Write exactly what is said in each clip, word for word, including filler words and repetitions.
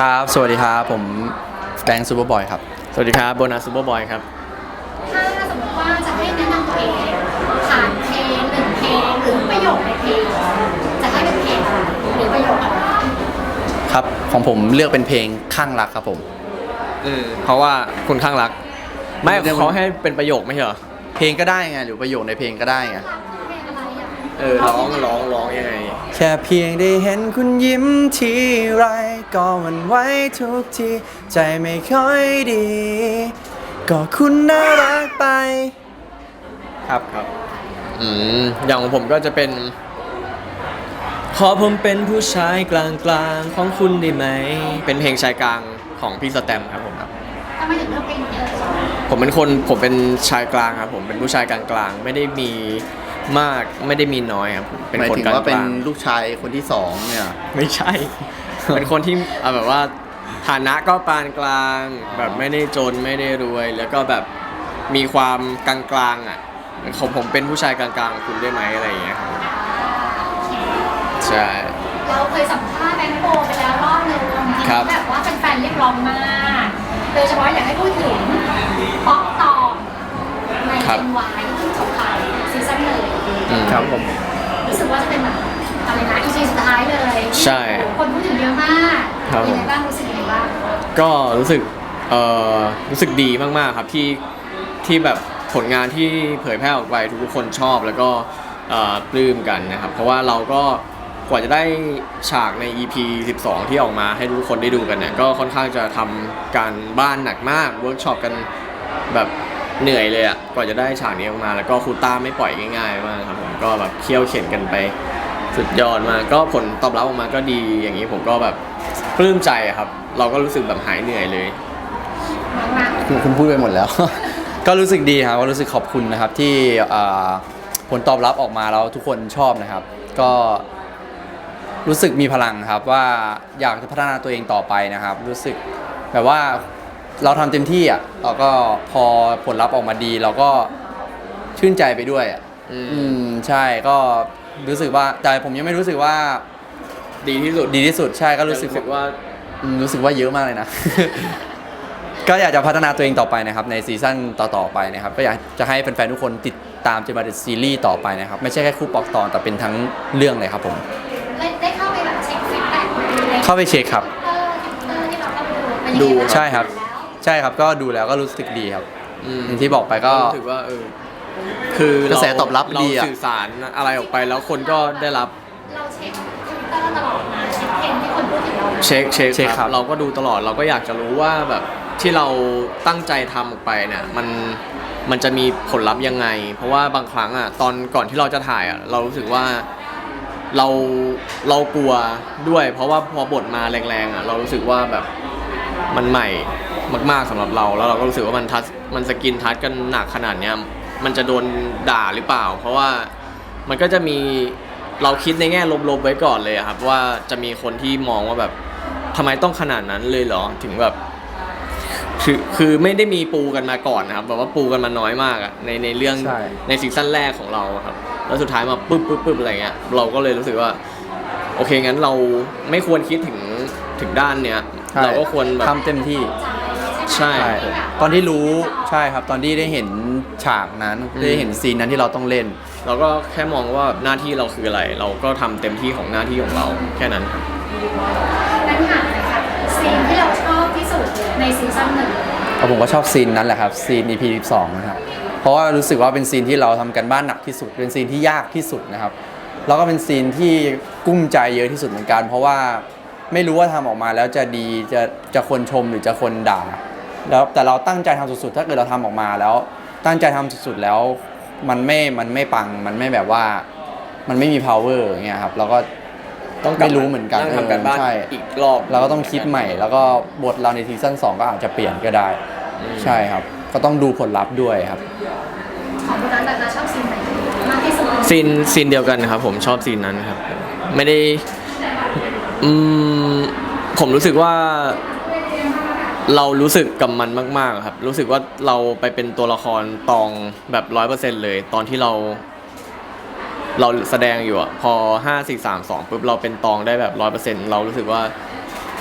ครับสวัสดีครับผมแบงค์ซูเปอร์บอยครับสวัสดีครับโบนัสซูเปอร์บอยครับถ้าสมมติว่าจะให้แนะนำตัวเองผ่านเพลงหนึ่งเพลงหรือประโยคในเพลงจะให้เป็นเพลงอะไรหรือประโยคอะไรครับของผมเลือกเป็นเพลงข้างรักครับผมอืมเพราะว่าคุณข้างรักไม่เขาให้เป็นประโยคไม่ใช่เหรอเพลงก็ได้ไงหรือประโยคในเพลงก็ได้ไงเพลงอะไรอ่ะเออร้องร้องร้องยังไงแค่เพียงได้เห็นคุณยิ้มทีไรก็หวั่นไหวทุกทีใจไม่ค่อยดีก็คุณน่ารักไปครับครับอืมอย่างของผมก็จะเป็นขอผมเป็นผู้ชายกลางกลางของคุณได้ไหมเป็นเพลงชายกลางของพี่สแตมครับผมครับทำไมถึงเลือกเพลงนี้เออผมเป็นคนผมเป็นชายกลางครับผมเป็นผู้ชายกลางกลางไม่ได้มีมากไม่ได้มีน้อยครับเป็นคนกลางหมายถึงว่าเป็นลูกชายคนที่สองเนี่ยไม่ใช่ เป็นคนที่เอาแบบว่าฐานะก็ปานกลางแบบไม่ได้จนไม่ได้รวยแล้วก็แบบมีความกลางกลางอ่ะผมผมเป็นผู้ชายกลางกลางคุณได้ไหมอะไรอย่างเงี้ยครับใช่เราเคยสัมภาษณ์แบงค์โบไปแล้วรอบนึงแบบว่าแฟนๆเรียกร้องมากโดยเฉพาะอยากให้พูดถึงป๊อกตองในเอ็นวายที่จบไปซีซั่นหนึ่งครับผมรู้สึกว่าจะเป็นแบบอะไรนะอีพีสุดท้ายเลยใช่คนพูดถึงเยอะมากเป็นไงบ้างรู้สึกยังไงบ้างก็รู้สึกเอ่อรู้สึกดีมากๆครับที่ที่แบบผลงานที่เผยแพร่ออกไปทุกคนชอบแล้วก็ปลื้มกันนะครับเพราะว่าเราก็กว่าจะได้ฉากใน อี พี สิบสองที่ออกมาให้ทุกคนได้ดูกันเนี่ยก็ค่อนข้างจะทำการบ้านหนักมากเวิร์กช็อปกันแบบเหนื่อยเลยอ่ะกว่าจะได้ฉากนี้ออกมาแล้วก็ครูต้าไม่ปล่อยง่ายๆมากครับผมก็แบบเคี่ยวเข็นกันไปสุดยอดมากก็ผลตอบรับออกมาก็ดีอย่างนี้ผมก็แบบปลื้มใจครับเราก็รู้สึกแบบหายเหนื่อยเลยคุณคุณพูดไปหมดแล้ว ก็รู้สึกดีครับก็รู้สึกขอบคุณนะครับที่ผลตอบรับออกมาแล้วทุกคนชอบนะครับก็รู้สึกมีพลังครับว่าอยากจะพัฒนาตัวเองต่อไปนะครับรู้สึกแบบว่าเราทำเต็มที่อ่ะเราก็พอผลลัพธ์ออกมาดีเราก็ชื่นใจไปด้วยอ่ะอืมใช่ก็รู้สึกว่าแต่ผมยังไม่รู้สึกว่าดีที่สุดดีที่สุดใช่ก็รู้สึกว่ารู้สึกว่าเยอะมากเลยนะ ก็อยากจะพัฒนาตัวเองต่อไปนะครับในซีซั่นต่อๆไปนะครับก็อยากจะให้แฟนๆทุกคนติดตามจะมาเป็นซีรีส์ต่อไปนะครับไม่ใช่แค่คู่ปอกตอนแต่เป็นทั้งเรื่องเลยครับผมได้เข้าไปแบบเช็คฟีดแบ็กเข้าไปเช็คครับที่เราเข้าไปดูใช่ครับใช่ครับก็ดูแล้วก็รู้สึกดีครับที่บอกไปก็รู้สึกว่าเออคือกระแสตอบรับดีเราสื่อสารอะไรออกไปแล้วคนก็ได้รับเราเช็คทวิตเตอร์ตลอดนะเช็คเทรนด์ที่คนพูดถึงเราเช็คเช็คเช็คครับเราก็ดูตลอดเราก็อยากจะรู้ว่าแบบที่เราตั้งใจทำออกไปเนี่ยมันมันจะมีผลลัพธ์ยังไงเพราะว่าบางครั้งอ่ะตอนก่อนที่เราจะถ่ายอ่ะเรารู้สึกว่าเราเรากลัวด้วยเพราะว่าพอบทมาแรงๆอ่ะเรารู้สึกว่าแบบมันใหม่มากๆสำหรับเราแล้วเราก็รู้สึกว่ามันทัชมันสกินทัชกันหนักขนาดเนี้ยมันจะโดนด่าหรือเปล่าเพราะว่ามันก็จะมีเราคิดในแง่ลบๆไว้ก่อนเลยครับว่าจะมีคนที่มองว่าแบบทำไมต้องขนาดนั้นเลยเหรอถึงแบบคือคือไม่ได้มีปูกันมาก่อนนะครับแบบว่าปูกันมาน้อยมากอะในในเรื่องในซีซั่นแรกของเราครับแล้วสุดท้ายมาปึ๊บปึ๊บปึ๊บอะไรเงี้ยเราก็เลยรู้สึกว่าโอเคงั้นเราไม่ควรคิดถึงถึงด้านเนี้ยเราก็ควรแบบทำเต็มที่ใช่ตอนที่รู้ใช่ครับตอนที่ได้เห็นฉากนั้นได้เห็นซีนนั้นที่เราต้องเล่นเราก็แค่มองว่าหน้าที่เราคืออะไร เราก็ทำเต็มที่ของหน้าที่ของเราแค่นั้นครับงั้นถามเลยครับซีนที่เราชอบที่สุดในซีซั่นหนึ่งผมก็ชอบซีนนั้นแหละครับซีน อี พี สิบสองนะครับเพราะว่ารู้สึกว่าเป็นซีนที่เราทำกันบ้านหนักที่สุดเป็นซีนที่ยากที่สุดนะครับแล้วก็เป็นซีนที่กุ้มใจเยอะที่สุดเหมือนกันเพราะว่าไม่รู้ว่าทำออกมาแล้วจะดีจะจะคนชมหรือจะคนด่าแล้วแต่เราตั้งใจทำสุดๆถ้าเกิดเราทำออกมาแล้วตั้งใจทำสุดๆแล้วมันไม่มันไม่ปังมันไม่แบบว่ามันไม่มี power อย่างเงี้ยครับเราก็ต้องไม่รู้เหมือนกันทำกันบ้านอีกรอบเราก็ต้องคิดใหม่แล้วก็บทเราในซีซั่นสองก็อาจจะเปลี่ยนก็ได้ใช่ครับก็ต้องดูผลลัพธ์ด้วยครับของคุณนันแต่ชอบซีนไหนมากที่สุดซีนซีนเดียวกันครับผมชอบซีนนั้นครับไม่ได้อืมผมรู้สึกว่าเรารู้สึกกับมันมากๆครับรู้สึกว่าเราไปเป็นตัวละครตองแบบ ร้อยเปอร์เซ็นต์ เลยตอนที่เราเราแสดงอยู่อ่ะพอห้า สี่ สาม สองปุ๊บเราเป็นตองได้แบบ ร้อยเปอร์เซ็นต์ เรารู้สึกว่า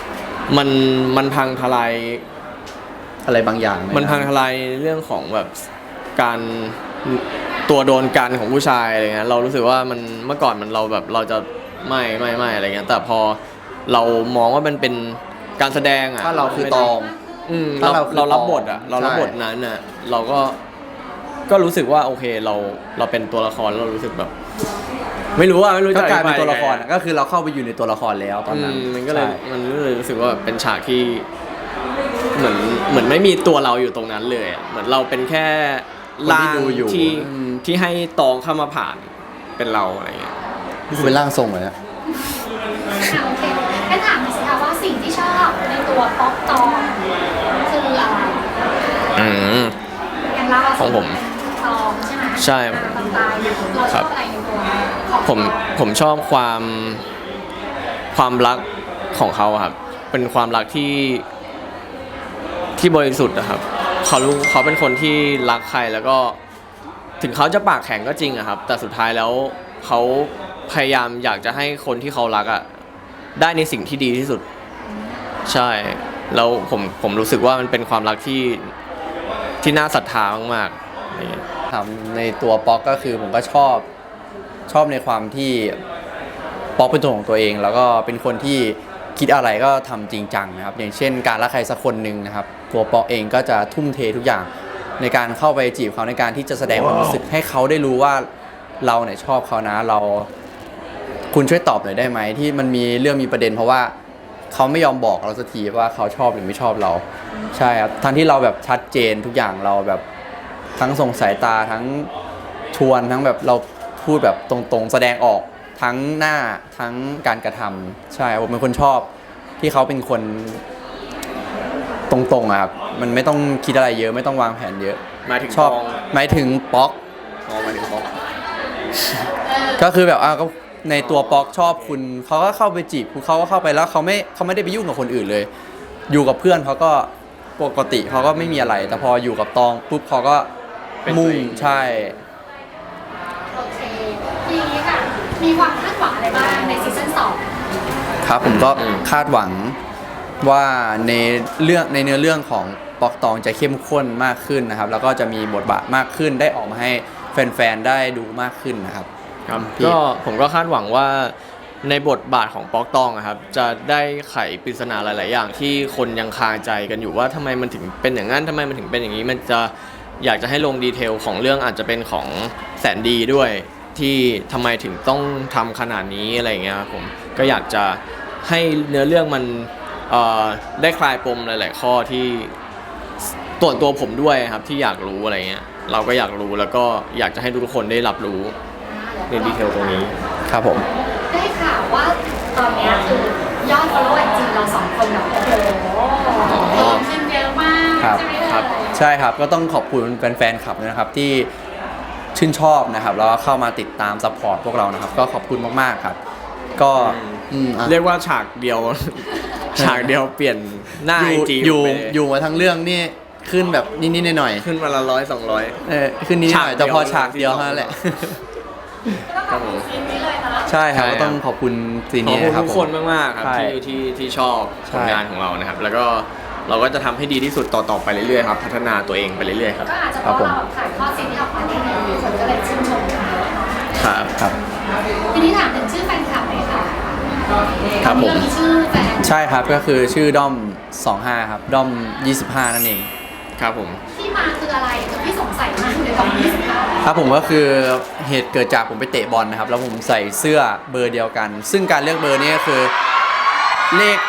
มันมันพังทลายอะไรบางอย่างเยมันพังทลายในเรื่องของแบบการตัวโดนกันของผู้ชายอะไรเงี้ยเรารู้สึกว่ามันเมื่อก่อนมันเราแบบเราจะไม่ไม่ไม่อะไรเงี้ยแต่พอเรามองว่ามันเป็นการแสดงอ่ะถ้าเราคือตองอืมถ้าเราเราคือเรารับบทอ่ะตองเรารับบทใช่นั้นอ่ะเราก็ก็รู้สึกว่าโอเคเราเราเป็นตัวละครแล้วเรารู้สึกแบบ ไม่รู้อ่ะไม่รู้ก็จะกลายเป็นอธิบตัวละครยังไงอะก็คือเราเข้าไปอยู่ในตัวละครแล้วตอนนั้นอืมมันก็เลยใช่มันก็เลยรู้สึกว่าแบบเป็นฉากที่เหมือนเหมือนไม่มีตัวเราอยู่ตรงนั้นเลยอะเหมือนเราเป็นแค่คนที่ร่างดูอยู่ที่อืมที่ให้ตองเข้ามาผ่านเป็นเราอะไรเงี้ยนี่คือเป็นร่างทรงเลยนะอ่ะโอเคงั้นถามหน่อยสิคะว่าสิ่งที่ชอบในตัวป๊อกตองคืออะไรอืมอย่างเราะของผมเป็นตองใช่ไหมใช่ตองตายเราชอบอะไรในตัวของผมผมชอบความความรักของเขาอะครับ เป็นความรักที่ที่บริสุทธิ์นะครับเขารู้เขาเป็นคนที่รักใครแล้วก็ถึงเขาจะปากแข็งก็จริงอะครับ แต่สุดท้ายแล้วเขาพยายามอยากจะให้คนที่เขารักอะได้ในสิ่งที่ดีที่สุด ใช่แล้วผมผมรู้สึกว่ามันเป็นความรักที่ที่น่าศรัทธามากๆอะไรเงี้ยถามในตัวป๊อกก็คือผมก็ชอบชอบในความที่ป๊อกเป็นตัวของตัวเอง แล้วก็เป็นคนที่คิดอะไรก็ทำจริงจังนะครับ อย่างเช่น การรักใครสักคนหนึ่งนะครับ ตัวป๊อกเองก็จะทุ่มเททุกอย่างในการเข้าไปจีบเขาในการที่จะแสดงความรู้สึกให้เขาได้รู้ว่าเราเนี่ยชอบเขานะเรา คุณช่วยตอบหน่อยได้ไหมที่มันมีเรื่องมีประเด็น เพราะว่าเขาไม่ยอมบอกเราสักทีว่าเขาชอบหรือไม่ชอบเรา ใช่ครับทั้งที่เราแบบชัดเจนทุกอย่างเราแบบ ทั้งส่งสายตาทั้งชวนทั้งแบบเราพูดแบบตรงๆแสดงออกทั้งหน้าทั้งการกระทำใช่ผมเป็นคนชอบที่เขาเป็นคนตรงๆอะครับมันไม่ต้องคิดอะไรเยอะไม่ต้องวางแผนเยอะหมายถึงชอบตองหมายถึงป๊อกอ๋อหมายถึงป๊อกก็คือแบบอ่ะก็ในตัวป๊อกชอบคุณเขาก็เข้าไปจีบคุณเขาก็เข้าไปแล้วเขาไม่เขาไม่ได้ไปยุ่งกับคนอื่นเลย อยู่กับเพื่อนเขาก็ปกติเขาก็ไม่มีอะไร แต่พออยู่กับตองปุ๊บเขาก็เป็นตัวมุ่งเองใช่โอเคทีนี้ค่ะมีความคาดหวังอะไรบ้างในซีซั่นสองครับผมก็อืมคาดหวังว่าในเรื่องในเนื้อเรื่องของป๊อกตองจะเข้มข้นมากขึ้นนะครับ แล้วก็จะมีบทบาทมากขึ้นได้ออกมาให้แฟนๆได้ดูมากขึ้นนะครับครับพี่ก็ผมก็คาดหวังว่าในบทบาทของป๊อกตองอะครับจะได้ไขปริศนาหลาย ๆ อย่างที่คนยังคาใจกันอยู่ว่าทำไมมันถึงเป็นอย่างนั้นทำไมมันถึงเป็นอย่างนี้มันจะอยากจะให้ลงดีเทลของเรื่องอาจจะเป็นของแสนดีด้วยที่ทำไมถึงต้องทำขนาดนี้อะไรอย่างเงี้ยครับผมก็อยากจะให้เนื้อเรื่องมันเอ่อได้คลายปมหลาย ๆ ข้อที่ตัวตัวผมด้วยครับที่อยากรู้อะไรเงี้ยเราก็อยากรู้แล้วก็อยากจะให้ทุกคนได้รับรู้ในดีเทลตรงนี้ครับผมได้ข่าวว่าตอนเนี้ยคือยอด follow ไอจีเราสองคนแบบโอ้โหเพิ่มขึ้นเยอะมากครับใช่ไหมครับเอ่ยใช่ครับก็ต้องขอบคุณแฟนๆคลับนะครับที่ชื่นชอบนะครับแล้วก็เข้ามาติดตามซัพพอร์ตพวกเรานะครับ ก็ขอบคุณมากๆครับ ก็อืมอ่ะเรียกว่าฉากเดียว ฉากเดียวเปลี่ยนหน้าอไอยู่ จีอยู่ไปเลยอยู่มาทั้งเรื่องนี่ขึ้นแบบนิดๆหน่อยขึ้นวันละร้อยสองร้อยๆเออขึ้นนิดๆหน่อยฉากเดียวแต่พอฉากเดียวเท่านั้นแหละก็ต้องขอบคุณซีนนี้เลยนะใช่ครับใช่ครับก็ต้องขอบคุณซีนขอบนี้คุณนะครับทุกผคนมมากๆครับใช่ที่ที่ที่ชอบใช่ผลงานของเรานะครับ แล้วก็เราก็จะทำให้ดีที่สุดต่อๆไปเรื่อยๆครับพัฒนาตัวเองไปเรื่อยๆครับก็อาจจะเพราะเราถ่ายทอดซีนที่ออกมาได้ดีคนก็เลยชื่นชมกันเยอะเนาะครับครับทีนี้ถามถึงชื่อแฟนคลับหน่อยค่ะครับผมเรื่องมีชื่อแฟนใช่ครับก็คือชื่อด้อมสองห้าครับด้อมยี่สิบห้านั่นเองครับผมที่มาคืออะไรคือพี่สงสัยมากเลยตอนยี่สิบห้าครับผมก็คือเหตุเกิดจากผมไปเตะบอลนะครับ แล้วผมใส่เสื้อเบอร์เดียวกัน ซึ่งการเลือกเบอร์นี้ก็คือเลข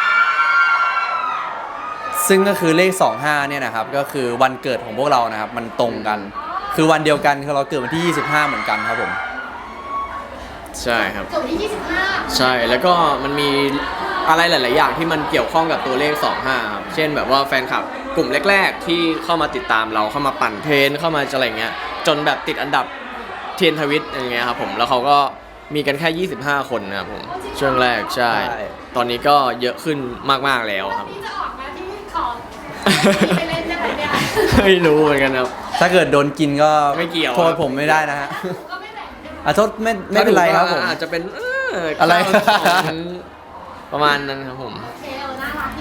ซึ่งก็คือเลขสองห้าเนี่ยนะครับก็คือวันเกิดของพวกเรานะครับ มันตรงกัน คือวันเดียวกันคือเราเกิดวันที่ยี่สิบห้าเหมือนกันครับผมใช่ครับเกิดวันที่ยี่สิบห้าใช่แล้วก็มันมีอะไรหลาย ๆ อย่างที่มันเกี่ยวข้องกับตัวเลขสองห้าครับเช่นแบบว่าแฟนคลับกลุ่มแรก ๆ ที่เข้ามาติดตามเราเข้ามาปั่นเทรนเข้ามาอะไรเงี้ยจนแบบติดอันดับเทรนทวิตอย่างเงี้ยครับผมแล้วเขาก็มีกันแค่ยี่สิบห้าคนนะครับผมช่วงแรกใช่ใช่ตอนนี้ก็เยอะขึ้นมาก ๆ แล้วครับพี่จะออกมาที่ขอไปเล่นได้ไหมเนี่ยไม่รู้เหมือนกันครับถ้าเกิดโดนกินก็ไม่เกี่ยวโทษผมไม่ได้นะฮะก็ไม่แบ่งใช่ไหมอ่ะโทษไม่ไม่เป็นไรครับผมอาจจะเป็นเอะไรข้าวสองประมาณนั้นครับผมโอเคเออน่ารักดี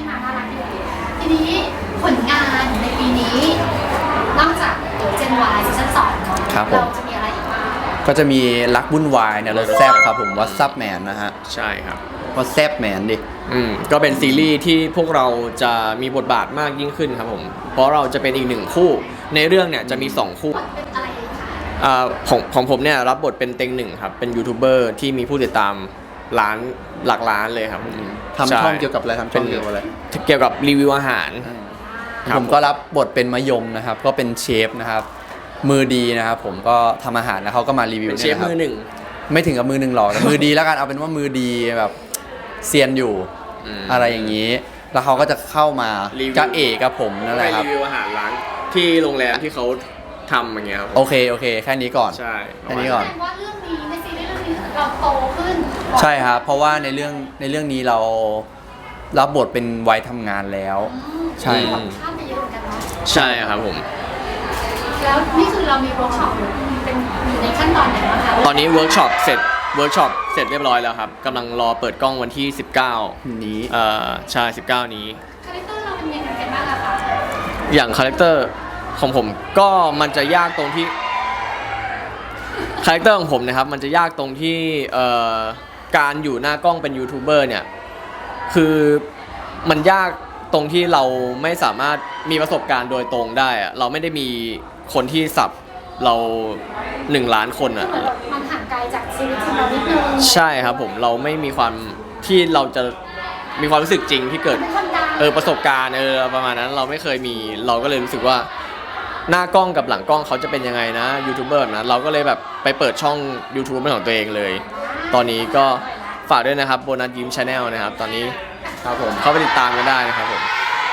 นี้ผลงานในปีนี้นอกจากเดี๋ยวเจนวายซีซั่นสองเนาะครับผมเราจะมีอะไรอีกบ้างก็จะมีรักวุ่นวายเนี่ยรถแซบครับผมวัตซับแมนนะฮะใช่ครับวัตแซบแมนดิอืมก็เป็นซีรีส์ที่พวกเราจะมีบทบาทมากยิ่งขึ้นครับผม เพราะเราจะเป็นอีกหนึ่งคู่ ในเรื่องเนี่ยจะมีสองคู่เป็นอะไรคะอ่าของของผมเนี่ยรับบทเป็นเต็งหนึ่งครับ เป็นยูทูบเบอร์ที่มีผู้ติดตามล้านหลักล้านเลยครับผมทำช่องเกี่ยวกับอะไรทำช่องเป็นเกี่ยวกับอะไรเกี่ยวกับรีวิวอาหาร ครับผมก็รับบทเป็นมะยมนะครับ ก็เป็นเชฟนะครับ มือดีนะครับ ผมก็ทำอาหารแล้วเขาก็มารีวิวเป็นเชเนี่ยฟนะครับมือหนึ่งไม่ถึงกับมือหนึ่งหรอกแต่มือดีแล้วกันเอาเป็นว่ามือดีแบบเซียนอยู่อืมอะไรอย่างนี้ แล้วเขาก็จะเข้ามารีวิวจะเอกกับผมนั่นแหไปละครับรีวิวอาหารร้านที่โรงแรมที่เขาทำอย่างเงี้ยครับโอเคโอเค แค่นี้ก่อนใช่แค่นี้ก่อนแสดงว่าเรื่องนี้ในซีรีส์เรื่องนี้เราโตขึ้นใช่ครับ เพราะว่าในเรื่องในเรื่องนี้เรารับบทเป็นวัยทำงานแล้วอืมใช่ครับข้ามไปเยอะเหมือนกันเนาะใช่ครับผมแล้วนี่คือเรามีเวิร์กช็อปเป็นอยู่ในขั้นตอนไหนบ้างคะตอนนี้เวิร์กช็อปเสร็จเวิร์กช็อปเสร็จเรียบร้อยแล้วครับกำลังรอเปิดกล้องวันที่ สิบเก้านี้เอ่อใช่สิบเก้านี้คาแรคเตอร์เราเป็นยังไงกันบ้างอะคะอย่างคาแรคเตอร์ของผมก็มันจะยากตรงที่คาแรคเตอร์ของผมนะครับมันจะยากตรงที่เอ่อการอยู่หน้ากล้องเป็นยูทูบเบอร์เนี่ยคือมันยากตรงที่เราไม่สามารถมีประสบการณ์โดยตรงได้อะเราไม่ได้มีคนที่สับเราหนึ่งล้านคนอะเหมือนมันห่างไกลจากชีวิตจริงเรานิดนึงใช่ครับผมเราไม่มีความที่เราจะมีความรู้สึกจริงที่เกิดเป็นคนดังเออประสบการณ์เออประมาณนั้นเราไม่เคยมีเราก็เลยรู้สึกว่าหน้ากล้องกับหลังกล้องเขาจะเป็นยังไงนะยูทูบเบอร์แบบนะเราก็เลยแบบไปเปิดช่อง YouTube เป็นของตัวเองเลย ตอนนี้ก็ฝากด้วยนะครับโบนัสยิ้มชาแนลนะครับตอนนี้ครับผมเข้าไปติดตามกันได้นะครับผม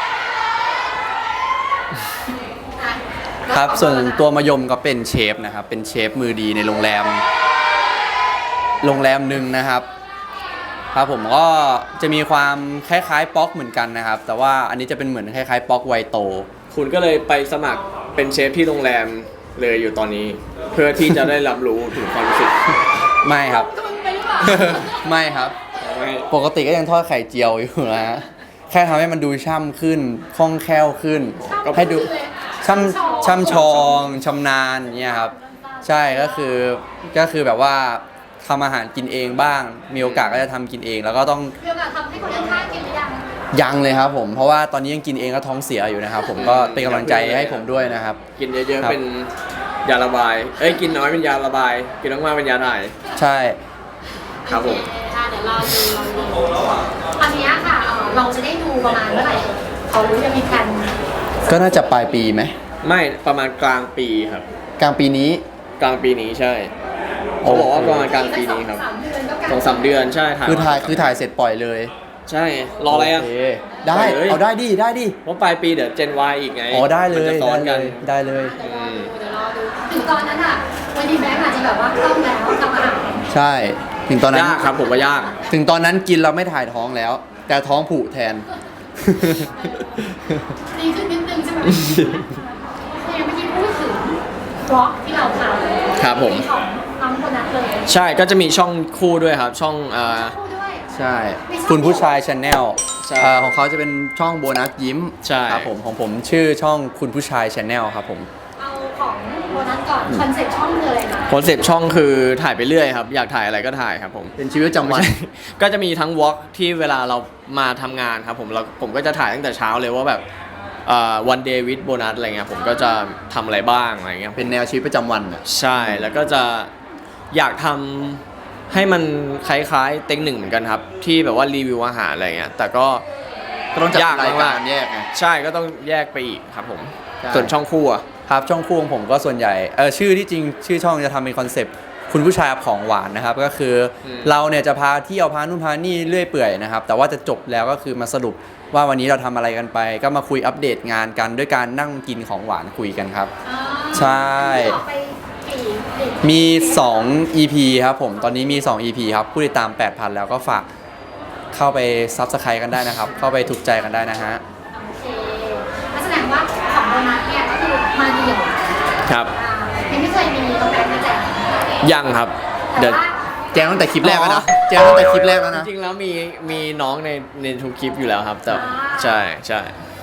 อ่ะครับส่วนตัวมะยมก็เป็นเชฟนะครับ เป็นเชฟมือดีในโรงแรม โรงแรมหนึ่งนะครับ ครับผมก็จะมีความคล้ายๆป๊อกเหมือนกันนะครับ แต่ว่าอันนี้จะเป็นเหมือนคล้ายๆป๊อกไวโตคุณก็เลยไปสมัครเป็นเชฟที่โรงแรมเลยอยู่ตอนนี้ เพื่อที่จะได้รับรู้ถึงความรู้สึกไม่ครับจะมึงไปหรือเปล่าไม่ครับไม่ปกติก็ยังทอดไข่เจียวอยู่นะฮะแค่ทำให้มันดูช่ำขึ้นคล่องแคล่วขึ้น ให้ดูช่ำช่ำชองชำนาญเนี่ยครับ ใช่ก็คือก็คือแบบว่าทำอาหารกินเองบ้าง มีโอกาสก็จะทำกินเอง แล้วก็ต้องมีโอกาสทำให้คนข้างๆกินหรือยังยังเลยครับผมเพราะว่าตอนนี้ยังกินเองก็ท้องเสียอยู่นะครับ ผมก็เป็นกำลังใจให้ผมด้วยนะครับกินเยอะครับๆเป็นยาระบาย เอ้ยกินน้อยเป็นยาระบาย กินมากๆเป็นยาถ่ายใช่ครับผมค่ะเดี๋ยวรอดูรอดูอันเนี้ยค่ะเอ่อเราจะได้ดูประมาณเมื่อไหร่เขารู้จะมีแผนก็น่าจะปลายปีไหมไม่ประมาณกลางปีครับกลางปีนี้กลางปีนี้ใช่เขาบอกว่าประมาณกลางปีนี้ครับสามเดือนก็กลางสองสามเดือนใช่ถ่ายคือถ่ายคือถ่ายเสร็จปล่อยเลยใช่รออะไรอ่ะโเคได้ปล่อยเลยเอาได้ดิได้ดิเพราะปลายปีเดี๋ยวเจนวายอีกไงอ๋อได้เลมันยจะซ้อนกันได้เลยเดี๋ยวรอดูเดี๋ยวรอดูถึงตอนนั้นอ่ะวันนี้แบงค์อาจจะแบบว่าคล่องแล้วทำอาหารใช่ ถึงตอนนั้นยากครับผมว่ายากถึงตอนนั้นกินเราไม่ถ่ายท้องแล้ว แต่ท้องผูกแทนดีขึ้นนิดนึงใช่ไหมเนี่ยเมื่อกี้พูดถึงบล็อกที่เราทำครับผมของน้องคนนั้นเลยใช่ก็จะมีช่องคู่ด้วยครับ ช่องเอ่อพูดด้วยใช่ คุณผู้ชายชาแนลใช่ของเขาจะเป็นช่องโบนัสยิ้มใช่ครับผมของผมชื่อช่องคุณผู้ชายชาแนลครับผมเอาของโบนัสก่อนคอนเซ็ปต์ช่องเลยนะคอนเซปต์ช่องคือถ่ายไปเรื่อยครับ อยากถ่ายอะไรก็ถ่ายครับผมเป็นชีวิตประจำวันไม่ใช่ ก็จะมีทั้งวอล์กที่เวลาเรามาทำงานครับผมเราผมก็จะถ่ายตั้งแต่เช้าเลยว่าแบบวันเดย์วิดโบนัสอะไรเงี้ยผมก็จะทำอะไรบ้างอะไรเงี้ยเป็นแนวชีวิตประจำวันอะใช่แล้วก็จะอยากทำให้มันคล้ายๆเต็งหนึ่งเหมือนกันครับ ที่แบบว่ารีวิวอาหารอะไรเงี้ยแต่ก็ก็ต้องจัดยากรายมากการแยกไงใช่ก็ต้องแยกไปอีกครับผมใช่ส่วนช่องคู่อะครับช่องคู่ของผมก็ส่วนใหญ่เออชื่อที่จริงชื่อช่องจะทำเป็นคอนเซปต์คุณผู้ชายของหวานนะครับ ก็คืออมเราเนี่ยจะพาเที่ยวพานู่นพานี่เรื่อยเปื่อยนะครับ แต่ว่าจะจบแล้วก็คือมาสรุปว่าวันนี้เราทำอะไรกันไป ก็มาคุยอัปเดตงานกันด้วยการนั่งกินของหวานคุยกันครับอ่าใช่ออกไปกี่กี่มี สอง อี พี ครับผมตอนนี้มี สอง อี พี ครับผู้ติดตาม แปดพัน แล้วก็ฝากเข้าไปซับสไครต์กันได้นะครับ เข้าไปถูกใจกันได้นะฮะโอเคนั่นแสดงว่าของโบนัสเนี่ยก็คือมาเดี่ยวครับอ่ายังไม่เคยมีตรงแบงค์มาแจกยังครับแต่เดี๋ยวว่าแจ้งตั้งแต่คลิปแรกแล้วนะแจ้งตั้งแต่คลิปแรกแล้วนะจริงๆแล้วมีมีน้องในในทุกคลิปอยู่แล้วครับแต่อ่าใช่ใช่แ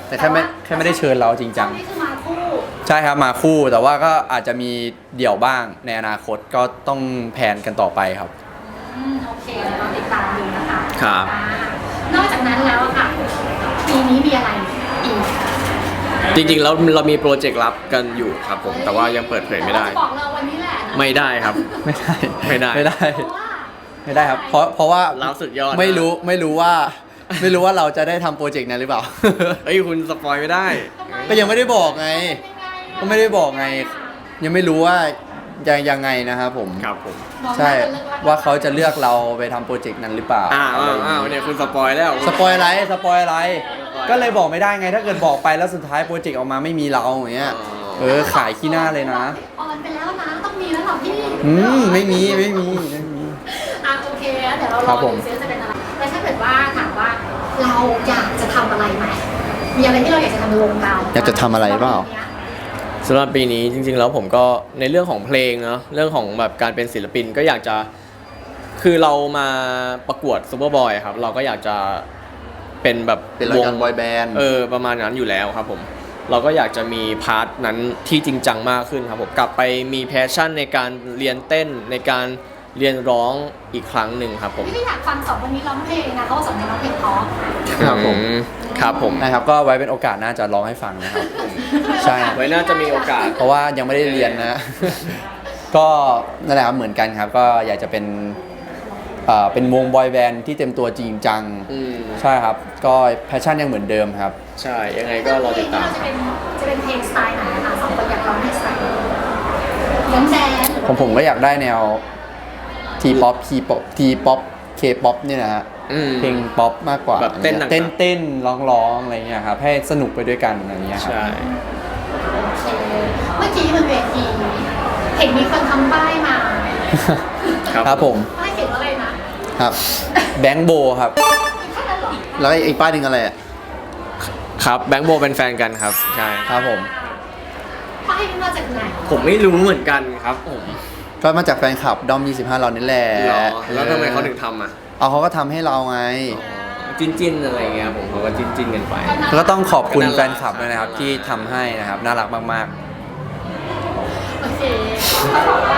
แต่แค่ไม่แค่ไม่ได้เชิญเราจริงจังนี่คือมาคู่ใช่ครับมาคู่แต่ว่าก็อาจจะมีเดี่ยวบ้างในอนาคตก็ต้องแผนกันต่อไปครับอืมโอเคเดี๋ยวเราติดตามดูนะคะครับอ่านอกจากนั้นแล้วอะค่ะปีนี้มีอะไรอีกจริงๆแล้วเรามีโปรเจกต์ลับกันอยู่ครับผมแต่ว่ายังเปิดเผยไม่ได้เราจะบอกเราวันนี้แหละนะไม่ได้ครับไม่ได้ไม่ได้ไม่ได้เพราะว่าไม่ได้ครับ เพราะเพราะว่าเราสุดยอดนะไม่รู้ไม่รู้ว่า ไม่รู้ว่าเราจะได้ทำโปรเจกต์นั้นหรือเปล่าเอ้ยคุณสปอยไม่ได้ทำไมก็ยังไม่ได้บอกไงเป็นยังไงอะก็ไม่ได้บอกไง ยังไม่รู้ว่าจะยังไงนะครับผมครับผมบอกใช่น่จะเลิกว่าเขาจะเลือกเราไปทำโปรเจกต์นั้นหรือเปล่าอ้าวอ้าวอ้าวเนี่ยคุณสปอยแล้วสปอยอะไรสปอยอะไร ก็เลยบอกไม่ได้ไง ถ้าเกิดบอกไปแล้วสุดท้ายโปรเจกต์ออกมาไม่มีเราอย่างเงี้ย เออขายขี้หน้าเลยนะออนไปแล้วนะต้องมีแล้วเหรอพี่อืมไม่มีไม่มีไม่มีอ่ะโอเคเดี๋ยวเราครรัอบผดูมซิว่าจะเป็นอะไรแล้วถ้าเกิดว่าถามว่าเราอยากจะทำอะไรไหมมีอะไรที่เราอยากจะทำในวงการอยากจะทำอะไรเปล่าสำหรับปีนี้จริงๆแล้วผมก็ในเรื่องของเพลงเนาะเรื่องของแบบการเป็นศิลปินก็อยากจะคือเรามาประกวดซูเปอร์บอยครับเราก็อยากจะเป็นแบบเป็นรายการบอยแบนด์เออประมาณนั้นอยู่แล้วครับผมเราก็อยากจะมีพาร์ทนั้นที่จริงจังมากขึ้นครับผมกลับไปมีแพชชั่นในการเรียนเต้นในการเรียนร้องอีกครั้งหนึ่งครับผมพี่อยากฟังสองคนนี้ร้องเพลงนะเขาสองคนร้องเพลงเพราะครับผมอืครับผมนะครับก็ไว้เป็นโอกาสหน้าจะร้องให้ฟังนะครับ ใช่ไว้น่าจะมีโอกาสเพราะว่ายังไม่ได้เรียนนะ ก็นั่นแหละครับเหมือนกันครับ ก็อยากจะเป็นเอ่อเป็นวงบอยแบนด์ที่เต็มตัวจริงจังอืมใช่ครับ ก็แพชชั่นยังเหมือนเดิมครับใช่ยังไงก็รอติดตามจะเป็นจะเป็นเพลงสไตล์ไหนนะคะสองคนอยากร้องเพลงสไตล์ไหนย้อนแดนผมผมก็อยากได้แนวทีป๊อปทีป๊อปทีป๊อปเคป๊อปเนี่ยนะฮะอืมเพลงป๊อปมากกว่าแบบเต้นหนักๆเต้นเต้นร้องร้องอะไรเงี้ยครับให้สนุกไปด้วยกันอะไรเงี้ยครับใช่โอเคเมื่อกี้บนเวทีเห็นมีคนทำป้ายมาครับครับผมป้ายเขียนว่าอะไรนะครับแบงค์โบครับแค่นั้นเหรอแล้วอีกป้ายหนึ่งอะไรอ่ะครับแบงค์โบเป็นแฟนกันครับใช่ครับผมป้ายนี้มาจากไหนผมไม่รู้เหมือนกันครับผมก็มาจากแฟนคลับดอมยี่สิบห้าเรานี่แหละหรอแล้วทำไมเขาถึงทำอ่ะเอาเขาก็ทำให้เราไงจิ้นจิ้นๆอะไรเงี้ยผมเขาก็จิ้นจิ้นๆกันไปแล้วก็ต้องขอบคุณก็น่ารักแฟนคลับด้วยนะครับที่ทำให้นะครับน่ารักมากโอเคเขาบอกว่า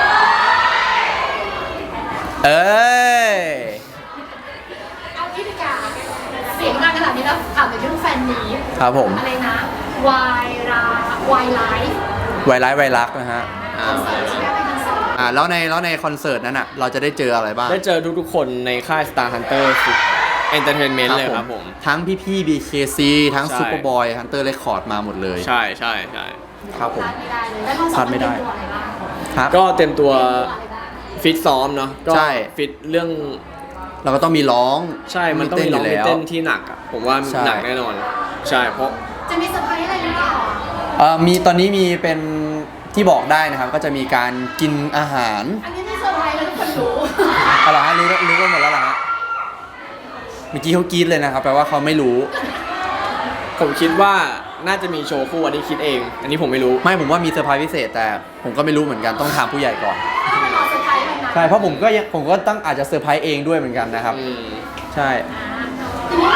ๆ เอ้ยเอางี้ดีกว่าเสียงดังขนาดนี้แล้วถามถึงเรื่องแฟนนี้ครับผมอะไรนะวายราวายไลฟ์ไวรัสไวรักนะฮะคอนเสิร์ตที่ได้ไปคอนเสิร์ตอ่าแล้วในแล้วในคอนเสิร์ตนั้นอ่ะเราจะได้เจออะไรบ้างได้เจอทุกๆคนในค่าย Star Hunter Entertainment เลยครับผมทั้งพี่พี่ๆ บี เค ซี ทั้งใช่ซูเปอร์บอยฮันเตอร์เรคคอร์ดมาหมดเลยใช่ใช่ใช่ครับผมพลาดไม่ได้เลยแล้วเราสองคนเป็นตัวอะไรบ้างครับก็เต็มตัวเป็นตัวอะไรบ้างฟิตซ้อมเนาะก็ใช่ฟิตเรื่องเราก็ต้องมีร้องใช่มันต้องมีร้องมีเต้นที่หนักอ่ะผมว่าใช่หนักแน่นอน ใช่เพราะจะมีเซอร์ไพรส์อะไรหรือเปล่าเอ่อมีตอนนี้มีเป็นที่บอกได้นะครับ ก็จะมีการกินอาหารอันนี้ไม่เซอร์ไพรส์แล้วทุกคนรู้อะไรฮะรู้รู้กันหมดแล้วเหรอฮะเมื่อกี้เขากรีดเลยนะครับแปลว่าเขาไม่รู้ผมคิดว่าน่าจะมีโชว์คู่อันนี้คิดเอง อันนี้ผมไม่รู้ไม่ผมว่ามีเซอร์ไพรส์พิเศษแต่ผมก็ไม่รู้เหมือนกันต้องถามผู้ใหญ่ก่อนถ้าไม่รอเซอร์ไพรส์วันนั้นใช่เพราะผมก็ยังผมก็ต้องอาจจะเซอร์ไพรส์เองด้วยเหมือนกันนะครับอืมใช่ทีนี้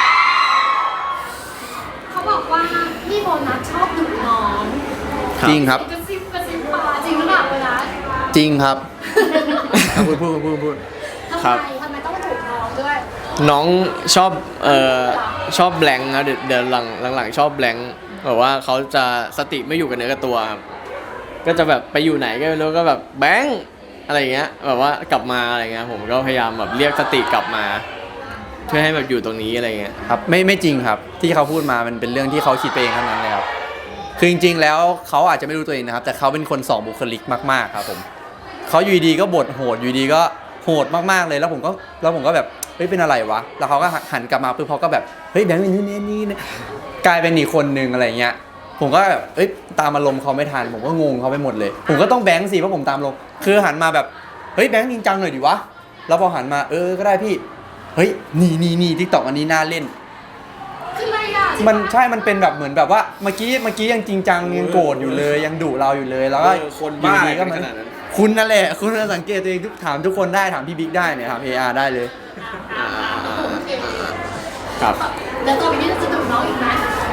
เขาบอกว่าพี่โบนัสชอบดุน้องจริงครับกระซิบกระซิบมาจริงหรือเปล่าโบนัสจริงครับ พูดพูดพูดพูดทำครับไมทำไมต้องดุน้องด้วยน้องชอบเอ่อชอบแบลงค์นะเดี๋ยวเดี๋ยวหลังหลังๆชอบแบลงค์แบบว่าเขาจะสติไม่อยู่กับเนื้อกับตัวครับก็จะแบบไปอยู่ไหนก็ไม่รู้ก็แบบแบงค์อะไรอย่างเงี้ยแบบว่ากลับมาอะไรเงี้ยผมก็พยายามแบบเรียกสติกลับมา เพื่อให้แบบอยู่ตรงนี้อะไรเงี้ยครับไม่ไม่จริงครับ ที่เขาพูดมามันเป็นเรื่องที่เขาคิดไปเองเท่านั้นเลยครับคือจริงๆแล้วเขาอาจจะไม่รู้ตัวเองนะครับแต่เขาเป็นคนสองบุคลิกมากๆครับผมเขาอยู่ดีก็บทโหดอยู่ดีก็โหดมากๆเลยแล้วผมก็แล้วผมก็แบบเฮ้ยเป็นอะไรวะแล้วเขาก็หันกลับมาปุ๊บเขาก็แบบเฮ้ยแบงค์เป็นนี่นี่นี่กลายเป็นอีกคนนึงอะไรเงี้ยผมก็แบบเอ้ยตามอารมณ์เขาไม่ทันผมก็งงเขาไปหมดเลย ผมก็ต้องแบงค์สิเพราะผมตามลงคือหันมาแบบเฮ้ยแบงค์จริงจังหน่อยดิวะแล้วพอหันมาเออก็ได้พี่เฮ้ยนี่นี่นี่ทิกตอกอันนี้น่าเล่นคืออะไรอ่ะมันใช่ มันเป็นแบบเหมือนแบบว่าเมื่อกี้เมื่อกี้ยังจริงจังยังโกรธอยู่เลยยังดุเราอยู่เลยแล้วก็เออคนบ้าอยู่ดีก็มันขนาดนั้นคุณนั่นแหละคุณน่ะสังเกตตัวเองทุกถามทุกคนได้ถามพี่บิ๊กได้เนี่ยถาม เอ อาร์ ได้เลยอ่าโอเคครับแล้วตัวนี้จะดุน้องอีกไหม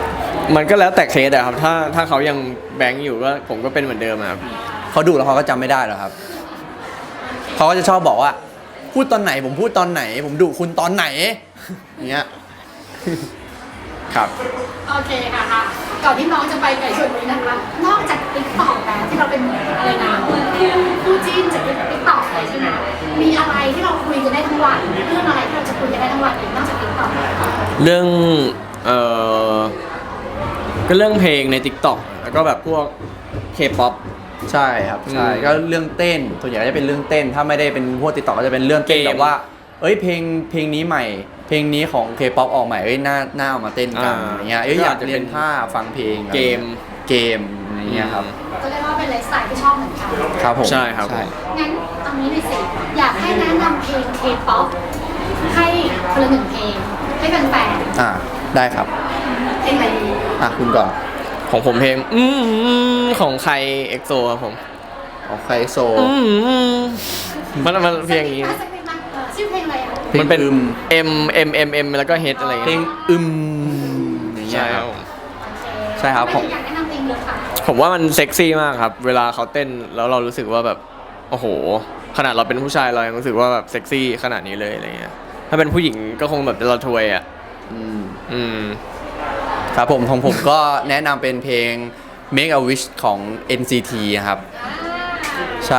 มันก็แล้วแต่เคสอะครับถ้าถ้าเขายังแบงค์อยู่ก็ผมก็เป็นเหมือนเดิมอะครับเขาดูแล้วเขาก็จำไม่ได้หรอกครับเขาก็จะชอบบอกว่าพูดตอนไหนผมพูดตอนไหน ผมดุคุณตอนไหนอย่างเงี้ยครับโอเคค่ะค่ะก่อนที่น้องจะไปไก่ชนนี้นะคะ นอกจากติ๊กต็อกแล้วที่เราเป็นอะไรนะคู่จิ้นจากติ๊กต็อกเลยใช่ไหมมีอะไรที่เราคุยกันได้ทั้งวันเรื่องอะไรที่เราจะคุยกันได้ทั้งวันอีกนอกจากติ๊กต็อกเรื่องเอ่อก็เรื่องเพลงใน TikTok แล้วก็แบบพวก K-pop ใช่ครับใช่อืมก็เรื่องเต้นส่วนใหญ่ก็จะเป็นเรื่องเต้น ถ้าไม่ได้เป็นพวกติดต่อก็จะเป็นเรื่องเต้นเกมแบบว่า เอ้ยเพลงเพลงนี้ใหม่ เพลงนี้ของ K-pop ออกใหม่เอ้ยน่าน่าเอามาเต้นกันอ่าอย่างเงี้ยเอ้ยก็อยาอาก จจะเรียนเป็นท่าฟังเพลงเกมเกมอะไรเงี้ยครับก็เรียกว่าเป็นไลฟ์สไตล์ที่ชอบเหมือนกันครับผมใช่ครับงั้นตอนนี้หน่อยสิอยากให้แนะนำเพลง K-pop ให้คนละหนึ่งเพลงให้แฟนอ่าได้ครับๆเพลงอะไรดีอ่ะคุณก่อนของผมเพลงอืมของใครเอ็กโซครับผมเอาใครโซอืมมันมันเพลงนี้สักนิดนะเออชื่อเพลงอะไรอ่ะเพลงมันเป็นอึม M M M M แล้วก็ H อะไรอย่างเพลเงี้งยอึมอย่างเงี้ใช่ยคครัรับบ ผมใช่ครับผมอยากแนะนำเพลงเลยค่ะผมว่ามันเซ็กซี่มากครับ เวลาเขาเต้นแล้วเรารู้สึกว่าแบบโอ้โห ขนาดเราเป็นผู้ชายเรายังรู้สึกว่าแบบเซ็กซี่ขนาดนี้เลยอะไรเงี้ยถ้าเป็นผู้หญิงก็คงแบบเราทวยอ่ะอืมอืมครับผมของผมก็แนะนำเป็นเพลง Make a Wish ของ เอ็น ซี ที นะครับ ใช่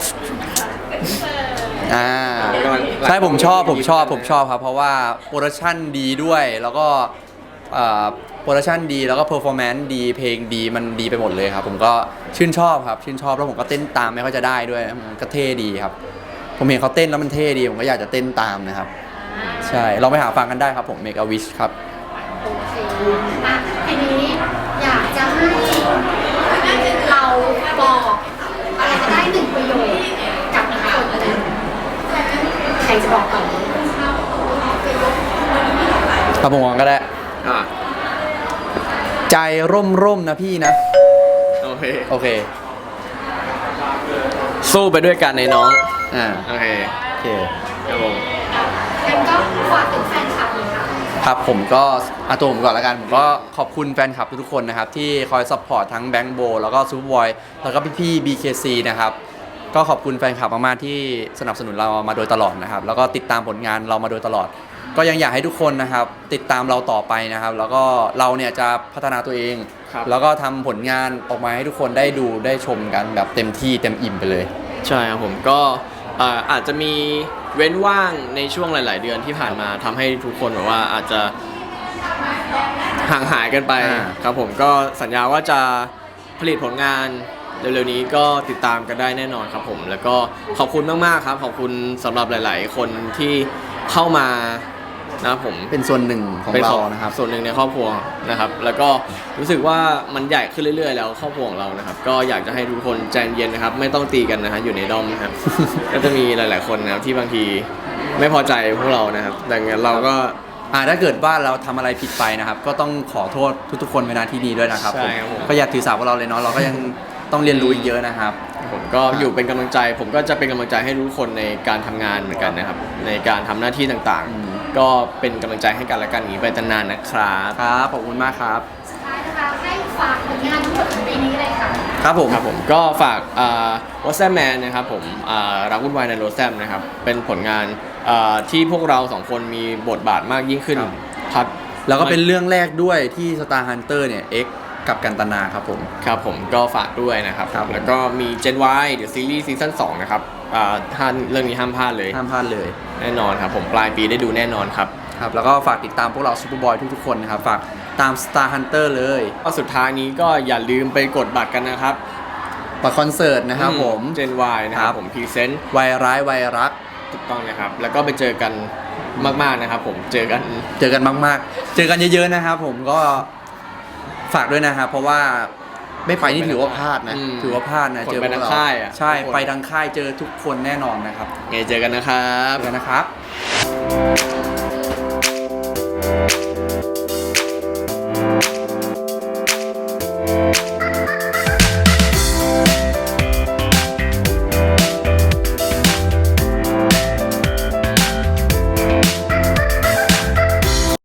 อ่า ใช่ผมชอบผมชอบผมชอบครับ เพราะว่าโปรดักชันดีด้วย แล้วก็โปรดักชันดีแล้วก็เพอร์ฟอร์แมนซ์ดีเพลงดีมันดีไปหมดเลยครับ ผมก็ชื่นชอบครับ ชื่นชอบแล้วผมก็เต้นตามไม่ค่อยจะได้ด้วยมันก็เท่ดีครับ ผมเห็นเขาเต้นแล้วมันเท่ดี ผมก็อยากจะเต้นตามนะครับ ใช่ลองไปหาฟังกันได้ครับผม Make a Wish ครับโอเคอ่ะทีนี้อยากจะให้เราบอกอะไรก็ได้หนึ่งประโยคกับอีกคนหนึ่งใครจะบอกก่อนครับผมก็ได้อ่ะใจร่มร่มๆนะพี่นะโอเคโอเคสู้ไปด้วยกันในน้องอ่าโอเคโอเคครับผมงั้นก็ฝากถึงแฟนคลับเลยค่ะครับผมก็อาตัวผมก่อนละกัน ผมก็ขอบคุณแฟนคลับทุกๆคนนะครับ ที่คอยซัพพอร์ตทั้งแบงค์โบแล้วก็ซูเปอร์บอยแล้วก็พี่ๆ บี เค ซี นะครับ ก็ขอบคุณแฟนคลับมากๆที่สนับสนุนเรามาโดยตลอดนะครับ แล้วก็ติดตามผลงานเรามาโดยตลอด ก็ยังอยากให้ทุกคนนะครับ ติดตามเราต่อไปนะครับ แล้วก็เราเนี่ยจะพัฒนาตัวเองครับแล้วก็ทำผลงานออกมาให้ทุกคนได้ดูได้ชมกันแบบเต็มที่เต็มอิ่มไปเลยใช่ครับผมก็อ่าอาจจะมีเว้นว่างในช่วงหลาย ๆ เดือนที่ผ่านมาทำให้ทุกคนแบบว่าอาจจะห่างหายกันไปอ่าครับผมก็สัญญาว่าจะผลิตผลงานเร็ว ๆ นี้ก็ติดตามกันได้แน่นอนครับผมแล้วก็ขอบคุณมาก ๆ ครับ ขอบคุณสำหรับหลาย ๆ คนที่เข้ามานะครับผมเป็นส่วนหนึ่งของเป็นเรานะครับส่วนหนึ่งในครอบครัวนะครับ แล้วก็รู้สึกว่ามันใหญ่ขึ้นเรื่อย ๆ แล้วครอบครัวของเรานะครับ ก็อยากจะให้ทุกคนใจเย็นนะครับ ไม่ต้องตีกันนะฮะอยู่ในดอมนะครับ ก็จะมีหลาย ๆ คนนะครับที่บางทีไม่พอใจพวกเรานะครับดังนั้นเราก็อ่าถ้าเกิดว่าเราทำอะไรผิดไปนะครับ ก็ต้องขอโทษทุกๆคนในนาที่นี้ด้วยนะครับใช่ครับผมก็อย่าถือสาพวกเราเลยเนาะเราก็ยังต้องเรียนรู้อีกเยอะนะครับผมก็อยู่เป็นกำลังใจ ผมก็จะเป็นกำลังใจให้ทุกคนในการทำงานเหมือนกันนะครับ ในการทำหน้าที่ต่างอืมๆ ก็เป็นกำลังใจให้กันและกันอย่างนี้ไปนานๆนะครับครับขอบคุณมากครับสุดท้ายนะคะให้ฝากผลงานทั้งหมดของปีนี้เลยค่ะครับผมครับผมก็ฝากวอตแซมแมนนะครับผมอ่ารักวุ่นวายในโรแซมนะครับเป็นผลงานอ่าที่พวกเราสองคนมีบทบาทมากยิ่งขึ้นครับแล้วก็เป็นเรื่องแรกด้วยที่ Star Hunter เนี่ย X กับกันตนาครับผมครับผมก็ฝากด้วยนะครับครับผมแล้วก็มี Gen Y เดี๋ยวซีรีส์ซีซั่นสองนะครับอ่าท่านเรื่องนี้ห้ามพลาดเลยห้ามพลาดเลยแน่นอนครับผมปลายปีได้ดูแน่นอนครับครับแล้วก็ฝากติดตามพวกเราซูเปอร์บอยทุกๆคนนะครับ ฝากตาม Star Hunter เลยก็สุดท้ายนี้ก็อย่าลืมไปกดบัตรกันนะครับบัตรคอนเสิร์ตนะครับผม Gen Y นะคครัรับบ ผมพรีเซนต์วัยร้ายวัยรักถูกต้องนะครับ แล้วก็ไปเจอกันมากๆนะครับผมเจอกันเจอกันมากๆ เจอกันเยอะๆนะครับผมก็ฝากด้วยนะครับ เพราะว่าไม่ไปนี่ถือว่าพลาดนะอืมถือว่าพลาดนะคนเจอไปพวกทางเราค่ายอะใช่ทุกคนไปทางค่ายเจอทุกคนแน่นอนนะครับไงเจอกันนะครับเจอกันนะครับ